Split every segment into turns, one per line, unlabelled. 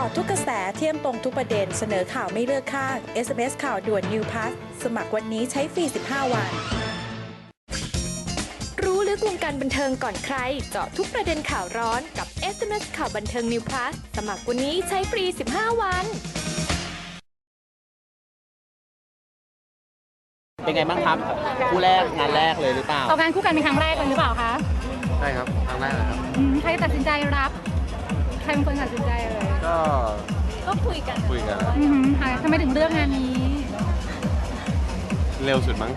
าะทุกกระแสเที่ยมตรงทุกประเด็นเสนอข่าวไม่เลือกข้าง SMS ข่าวด่วน New Plus สมัครวันนี้ใช้ฟรี 15 วัน
รู้ลึกวงการบันเทิงก่อนใครเจาะทุกประเด็นข่าวร้อนกับ SMS ข่าวบันเทิง New Plus สมัครวันนี้ใช้ฟรี 15 วัน
เป็นไงบ้างครับคู่แรกงานแรกเลยหรือเปล่า
ออกงานคู่กันเป็นครั้งแรกเลยหรือเปล่าคะ
ใช่ครับครั้งแรกเลยครับ
ใครตัดสินใจรับใครเป็นคนตัดสินใจเลย
ก็คุยกัน
ค่ะทำไมถึงเลือกงานนี้
เร็วสุดมั้ง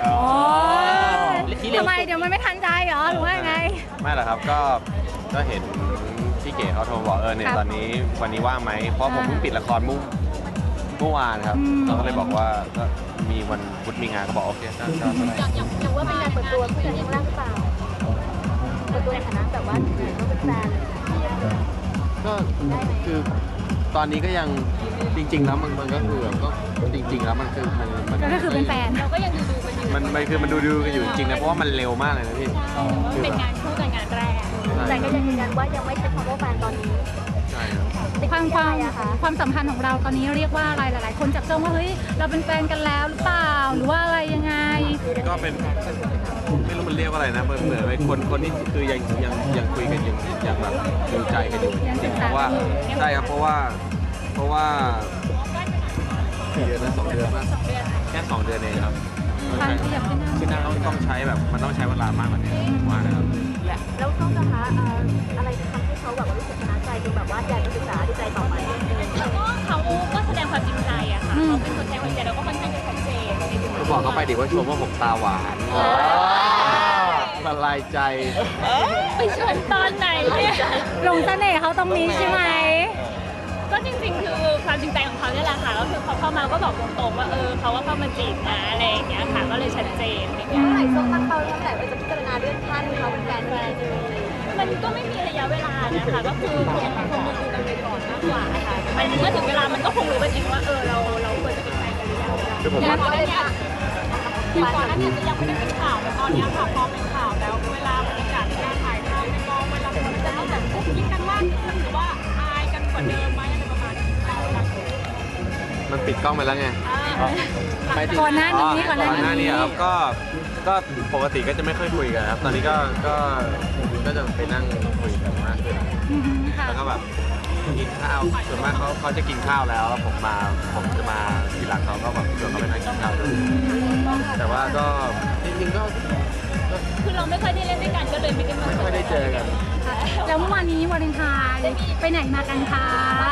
ทำไมเดี๋ยวมันไม่ทันใจเหรอหรือว่าไง
ไม่หรอกครับก็เห็นพี่เก๋เขาโทรบอกเนี่ย
ครับ
ตอนนี้วันนี้ว่างไหมเพราะผมเพิ่งปิดละครเมื่อวานครับเขาก็เลยบอกว่าก็มีวันพุธมีงานก็บอกโอเคก็ได้
อย่างว่าเป็นการเปิดตัวผู้หญิงครั้งแรกหรือเปล่าเปิดตัวในฐานะแบบว่าก็เป็นแฟน
ก็คือตอนนี้ก็ยังจริง ๆ แล้วมันก็คือก็จริง ๆ แล้วมันคือมัน
ก็คือเป็นแฟน
เราก็ยังดูกันอยู่
มันคือมันดูกันอยู่จริงๆนะเพราะว่ามันเร็วมากเลยนะพี่
เป็นงานคู่กันงานแรกแต่ก็ยังยืนยันว่ายังไม่ใช่คำว่าแฟนตอนนี้
ใช่ครับ
ความสัมพันธ์ของเราตอนนี้เรียกว่าอะไรหลาย ๆ คนจับจ้องว่าเฮ้ยเราเป็นแฟนกันแล้วหรือเปล่าหรือว่าอะไรยังไง
ก็เป็นไม่รู้มันเรียกว่าอะไรนะเหมือนเป็นคนที่คือยังคุยกันยังแบบดูใจกันอยู่จริงๆเพราะว่าใช่ครับเพราะว่ากี่เดือนนะ2 เดือนป่ะแค่2 เดือนเองครับ
ความขยับขึ้นหน้า
คือต้องใช้แบบมันต้องใช้เวลามากกว่านี้ผมว่านะครับ
แล้วเขาจะหาอะไรที่ทำให้เขาแบบว่ารู้สึกชนะใจจนแบบว่าอยากจะศึกษาดูใจต่อไป
แล้วก็เขาก็แสดงความจริงใจอะค่ะเขาเป็นคนแสดงความจริงใจแล้วก็ค่อนข้างจะชัดเจน
ก็บอกเขาไปดิว่าชมว่าผมตาหวานละลายใจ
ไปชมตอนไหนเนี่ย
หลงเสน่ห์เขาตรงนี้ใช่ไหม
ก็จริงๆคือความจริงใจของเขาเนี่ยแหละค่ะก็คือเขาเข้ามาก็บอกตรงๆว่าเขาว่าเข้ามาจีบนะอะไรอย่างเงี้ยค่ะก็เลยชัดเจนอะไรเงี้ย
เมื่อไหร่ส้มตั้งเป้าตั้งแต่จะพิจารณาเรื่องท่านเขาเป็นแฟนเลย
มันก็ไม่มีระยะเวลานะคะก็คือคงดูกันไปก่อนมากกว่าค่ะมันเมื่อถึงเวลามันก็คงรู้กันเองว่าเราควรจะเป็นแฟนกันหรือยัง
คือผมว่า
ก่อนหน้านี้จะยังไม่ได้เป็นข่าวแต่ตอนนี้ค่ะพอเป็นข่าวแล้วเวลาบรรยากาศในการถ่ายทำในกองเวลาคนจะต้องแบบคุกคิดกันมากขึ้นหรือว่าอายกันกว่าเดิมไหมอะไรประมาณนี้
มันปิดกล้องไปแล้วไง
ก่อนหน้านี้
ก่อนหน้านี้ครับก็ปกติก็จะไม่ค่อยคุยกันครับ ตอนนี้ก็จะไปนั่งคุยกันมากขึ้น
ค่ะ
แล้วก็แบบกินข้าวส่วนมากเขาจะกินข้าวแล้วผมจะมาทีหลังเขาก็แบบชวนเขาไปนั่งกินข้าวด้วยแต่ว่าก็จริงๆก็
คือเราไม่ค่อยได้เล่นด้วยกันก็เลยไม่ได้มา
ไม่ค่อยได้เจอกัน
แล้วเมื่อวานนี้วาเลนไทน์ไปไหนมากันคะ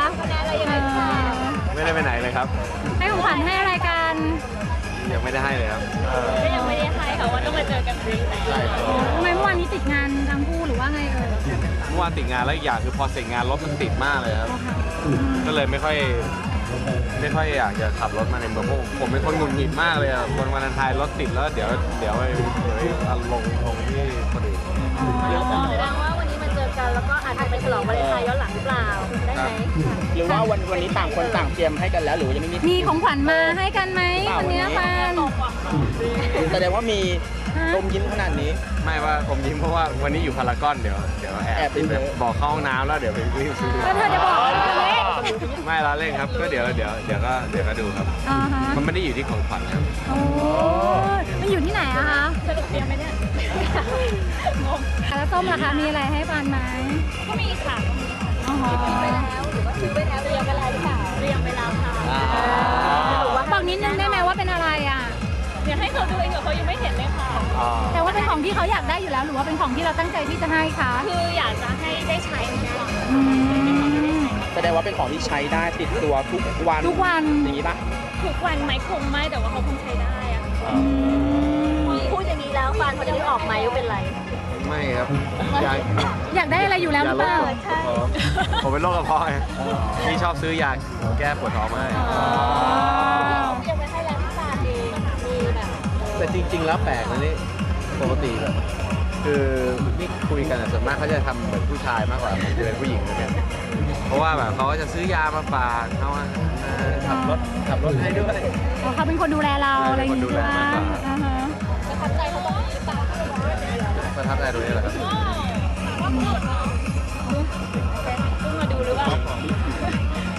ไม่ได้ไปไหนเลยครับ
ให้ของขวัญให้อะไรกัน
ยังไม่ได้ให้เลยครับ
ก็ยังไม่ได้ให้ค่ะว่าต้องมาเจอกันปีไหน
ใช่ครับ
ทำไมเมื่อวานนี้ติดงานทั้งคู่หรือว่าไงเอ่ย
เมื่อวานติดงานแล้วอีกอย่างคือพอเสร็จงานรถมันติดมากเลยครับ ก็เลยไม่ค่อยอยากจะขับรถมาในเมืองเพราะผมเป็นคนหงุดหงิดมากเลยอะวันวาเลนไทน์รถติดแล้วเดี๋ยวไปลงที่คนอื่น
แสดงว่าวันนี้มาเจอกันแล้วก็อาจจะไปฉลองวาเลนไทน์ย้อนหลังหรือเปล่าได้ไหม
หรือว่าวันนี้ต่างคนต่างเตรียมให้กันแล้วหรือยังไม่มี
มีของขวัญมาให้กันไหมวันนี้แฟน
แสดงว่ามีลมยิ้มขนาดนี้
ไม่ว่าผมยิ้มเพราะว่าวันนี้อยู่พารากอนเดี๋ยวแอบไปบอกเข้าห้องน้ำแล้วเดี๋ยวไปรีบซื้อ
ก็เธอจะบอกว่าเราเล็ก
ไม่ละเล่นครับก็เดี๋ยวก็ดูครับ
อ่าฮะ
มันไม่ได้อยู่ที่ของขวัญครับ
โอ้มันอยู่ที่ไหนอะคะ
สรุปเตรียมไหมเนี่ยงง
แล้วส้มล่ะคะมีอะไรให้ปานไหม
ก็มีค่ะ
อ๋อ
ไปแล้วหรือว่าซื้อไปแล้วเรียงไปแล้วหรือเปล่า
เตรียมไปแล้วค่ะ
บอกนิดนึงได้ไหมว่าเป็นอะไรอะ
เดี๋ยวให้เขาดูเองเดี๋ยวเขายังไม่เห็นเลยค่ะ
แต่ว่าเป็นของที่เขาอยากได้อยู่แล้ว หรือว่าเป็นของที่เราตั้งใจที่จะให้คะ
คืออยากจะให้ได้ใช้เหมือนกัน
อืม
แสดงว่าเป็นของที่ใช้ได้ติดตัวทุกวัน
ทุกวัน
อย่างนี้ปะ
ทุกวันไหมคงไม่แต่ว่าเขาคงใช้ได้อะค่ะ
พูดอย่างนี้แล้วฟานเขาจะได้ออกไหมว่าเป็นไร
ไม่ครับอยาก
อยากได้อะไรอยู่แล้วหรือเปล่า
ผมเป็นโรคกระเพาะไงพี่ชอบซื้อยาแก้ปวดท้องมาให้
ยังไม่ให้แล้วที่ฟานเองมีแบบ
แต่จริง ๆ แล้วแปลกนะนี่ปกติแบบคือนี่คุยกันอะส่วนมากเขาจะทำเหมือนผู้ชายมากกว่าจะเป็นผู้หญิงนะเนี่ยเพราะว่าแบบเขาก็จะซื้อยามาฝากเขาว่าขับรถให้ด้วย
เขาเป็นคนดูแลเราอะไรอย่างงี้ใช่ไหมอ่าฮะ
ประทับใจเขาตรงนี้หรือเปล่า
ประทับใจตรงนี้แหละครับ
เพิ่งมาดูหรือเปล่า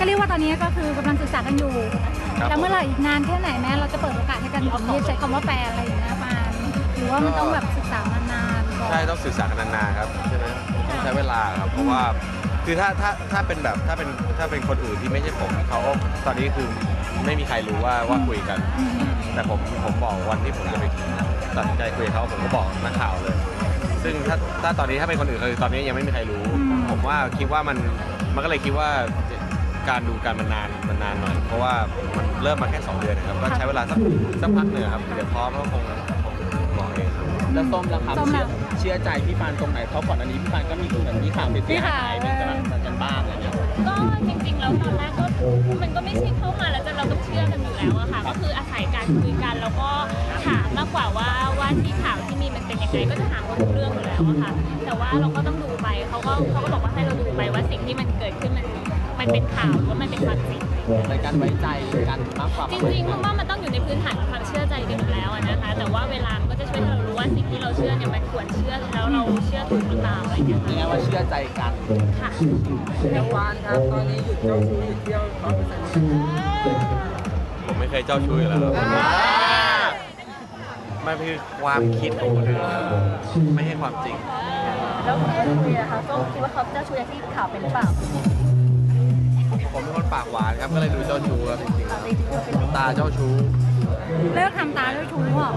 ก็เรียกว่าตอนนี้ก็คือกำลังศึกษากันอยู่
ครับ
แล้วเมื่อไหร่อีกนานแค่ไหนแม้เราจะเปิดโอกาสให้กันถึงที่ใช้คำว่าแฟนอะไรอย่างเงี้ยปานหรือว่ามันต้องแบบศึกษามานานก่อน
ใช่ต้องศึกษากันนานๆครับใช่ไหมต้องใช้เวลาครับเพราะว่าคือถ้าเป็นแบบถ้าเป็นคนอื่นที่ไม่ใช่ผมเขาตอนนี้คือไม่มีใครรู้ว่าคุยกัน แต่ผมบอกวันที่ผมจะไปตัดสินใจคุยกับเขาผมก็บอกนักข่าวเลย ซึ่งถ้าตอนนี้ถ้าเป็นคนอื่นคือตอนนี้ยังไม่มีใครรู้ ผมว่าคิดว่ามันก็เลยคิดว่าการดูการมันนานหน่อย เพราะว่ามันเริ่มมาแค่2 เดือนนะครับก็ใช้เวลาสักพักหนึ่งครับเดี๋ยวพร้อมก็คงบอกเองครับ
แล้วส้มล่ะครับ
ส้มล่ะ
เชื่อใจพี่ปานตรงไหนเพราะก่อนอันนี้พี่ปานก็มีเหมือนมีข่าวเสียหายเป็นกันบ้างอะไรเงี้ย
ก็จริงๆแล้วตอนแรกก็มันก็ไม่ใช่เข้ามาแล้วเราต้องเชื่อกันอยู่แล้วอะค่ะก็คืออาศัยการคุยกันแล้วก็ถามมากกว่าว่าที่ข่าวที่มีมันเป็นยังไงก็จะถามเขาทุกเรื่องอยู่แล้วอะค่ะแต่ว่าเราก็ต้องดูไปเขาก็บอกว่าให้เราดูไปว่าสิ่งที่มันเกิดขึ้นมันเป็นข่าวหรือว่ามันเป็นความจริง
ในการไว้ใจกันมากกว่า
จริงๆเพราะว่ามันต้องอยู่ในพื้นฐานของความเชื่อใจกันอยู่แล้วอะนะคะแต่ว่าเวลามันก็จะช่วยให้เรารู้ว่าสิ่งที่เราเชื่อเนี่ยมันควรเชื่อแล้วเราเชื่อถูกหรือเปล่าอะไรอย่างเงี้ย
ยังไงว่าเชื่อใจกัน
ค่ะ
แล้ววานครับตอนนี้หยุดเจ้าชู้หยุดเที่ยว
ผมไม่เคยเจ้าชู้อยู่แล้วครับมันคือความคิดของคนอื่นครับไม่ใช่ความจริง
แล้วที่ได้คุยนะคะส้มคิดว่าเขาเจ้าชู้อย่างที่ข่าวเป็นหรือเปล่า
ผมเป็นคนปากหวานครับก็เลยดูเจ้าชู้ครับจริง
จริงๆเขาเป็น
ๆตาเจ้าชู้
เลิกทำตาด้วยชู้เหรอ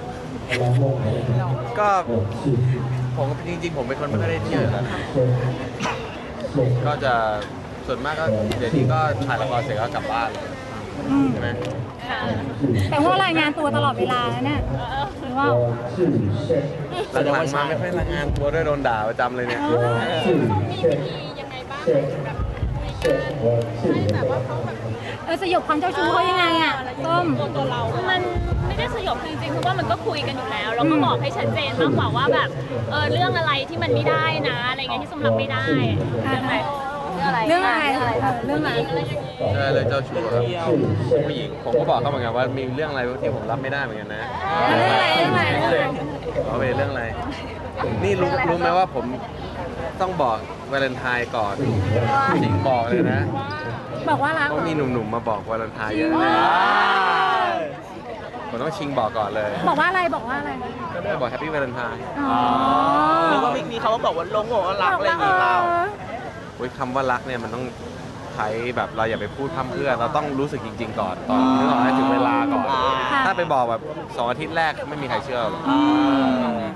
ก็ผมจริงๆผมเป็นคนไม่ค่อยได้เที่ยวอยู่แล้วนะก็จะส่วนมากก็เดี๋ยวนี้ก็ถ่ายละครเสร็จก็กลับบ้านใช่ไหม
แต่ว่ารายงานตัวตลอดเวลาแล้วเนี่ยหรือว่า
หลังๆมาไม่ค่อยรายงานตัวด้วยโดนด่าประจำเลยเนี่ย
มีวิธียังไงบ้างแบบให้แบบว่าเขาแบบ
สยบความเจ้าชู้เขายังไงอ่ะต้ม
ตัวเรา มันไม่ได้สยบจริงๆคือว่ามันก็คุยกันอยู่แล้วเราก็บอกให้ชัดเจนมากกว่าว่าแบบเรื่องอะไรที่มันไม่ได้นะอะไรเงี้ยที่สมรับไม่ได้เรื่องอะไร
เรื่องอะไรเรื่องอะไร
ใช่เลยเจ้าชู้ครับผู้หญิงผมก็บอกเขาเหมือนกันว่ามีเรื่องอะไรที่ผมรับไม่ได้เหมือนกันนะ
เรื่องอะไร
เอาไปเรื่องอะไรนี่รู้ไหมว่าผมต้องบอกวาเลนไทน์ก่อนจริงบอกเลยนะ
บอกว่ารัก
เพราะมีหนุ่มๆมาบอกวาเลนไทน์เยอะเลยผมต้องชิงบอกก่อนเลย
บอกว่าอะไรบอกว่าอะไร
ก็ได้บอกแฮปปี้วาเลนไทน์
อ๋อ
หรือว่ามีเขามาบอกว่าลงบอกว่ารักอะไรอย่างเงี้ยเปล่า
โอ้ยคำว่ารักเนี่ยมันต้องใช้แบบเราอย่าไปพูดพร่ำเพรื่อเราต้องรู้สึกจริง ๆ ก่อนตอนนึกออกให้ถึงเวลาก่อน ถ้าไปบอกแบบ2 อาทิตย์แรกไม่มีใครเชื่อหรอก